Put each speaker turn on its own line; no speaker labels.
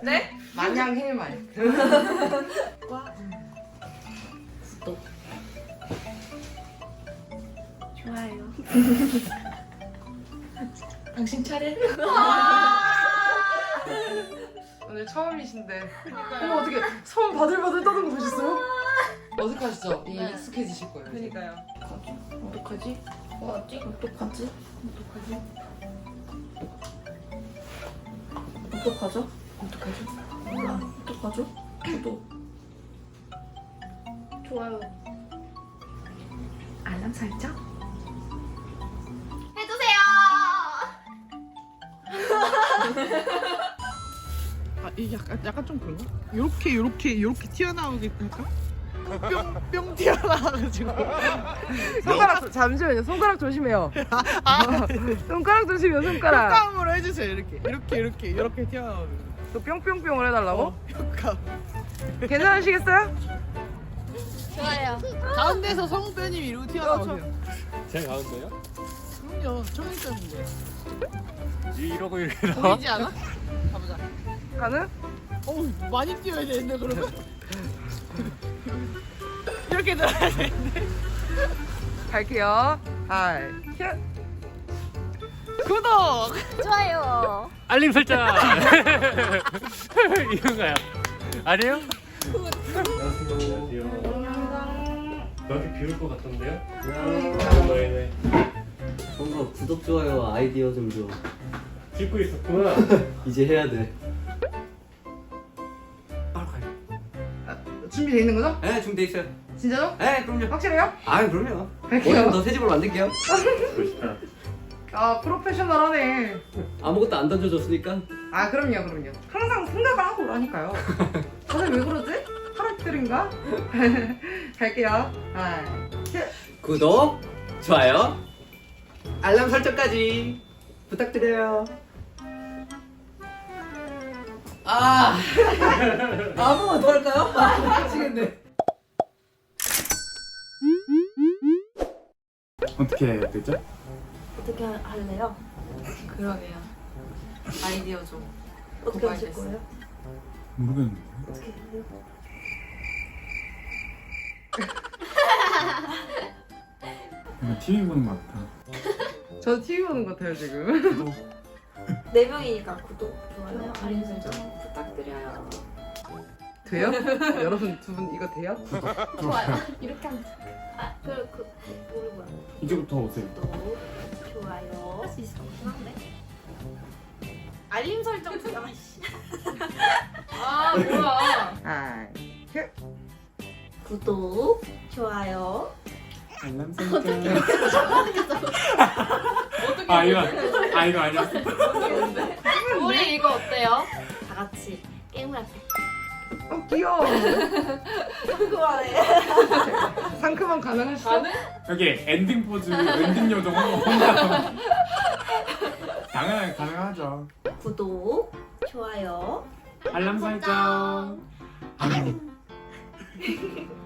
네?
마냥 해말.
또 좋아요. 당신 차례.
오늘 처음이신데. 어머 어떻게 손 바들바들 떠는 거 보셨어요? 어색하시죠? 이게
네.
익숙해지실 거예요. 이제.
그니까요. 어떡하지? 어떡하지? 어떡하지? 어떡하죠? 어떡하죠? 몰라. 어떡하죠? 저도. 좋아요. 알람 설정? 해주세요!
아, 이게 약간 좀 그런가? 요렇게 튀어나오게 할까? 뿅 튀어나와가지고.
손가락 잠시만요. 손가락 조심해요. 손가락 조심해요. 손가락.
효과음으로 해주세요. 이렇게 튀어나오는.
또 뿅뿅뿅을 해달라고?
효과.
괜찮으시겠어요?
좋아요.
가운데서 성우배님 이러고 튀어나오세요.
제가 가운데요?
그럼요. 청일점인데.
이러고 이렇게 나와?
보이지 않아? 가보자.
가는?
어우 많이 뛰어야 되는데 그러면? 이렇게 들어야 되는데.
갈게요. 하이.
구독!
좋아요.
알림 설정! 이건가요? 아니에요? 안녕하세요. 여기 비올 것 같던데요? 네네.
뭔가 구독, 좋아요, 아이디어 좀 줘.
찍고 있었구나.
이제 해야 돼. 바로 가요.
준비돼 있는 거죠?
네, 준비돼 있어요.
진짜죠?
네, 그럼요.
확실해요?
아, 그럼요.
갈게요.
오늘 더 새 집으로 만들게요.
멋있다.
아 프로페셔널하네.
아무것도 안 던져줬으니까.
아 그럼요. 항상 생각을 하고 오라니까요. 다들 왜 그러지? 하락들인가? 갈게요. 하이.
구독, 좋아요, 알람 설정까지 부탁드려요. 아무거나 더 할까요? 미치겠네.
어떻게 해야 되죠?
어떻게 할래요?
그러게요. 아이디어 좀.
어떻게 하실 거예요?
모르겠는데.
어떻게 해요?
그냥 TV 보는 것 같아.
저 TV 보는 것 같아요 지금.
구독.
4명이니까 구독, 좋아요, 알림 설정 부탁드려요.
돼요? 여러분 두 분 이거 돼요?
좋아요. 이렇게 하면 뭐야?
이제부터 오세요.
구독, 좋아요. 할 수 있을 것 같긴 한데. 알림 설정 아씨. 아 뭐야?
하이.
구독, 좋아요.
알람 설정. 이거 아니었어.
우리 이거 어때요? 다 같이 게임을 할게.
귀여워.
궁금하네.
상큼한 가능하시죠?
여기 엔딩 포즈, 엔딩 요정 혼자. 당연하게 가능하죠.
구독, 좋아요.
알람 설정.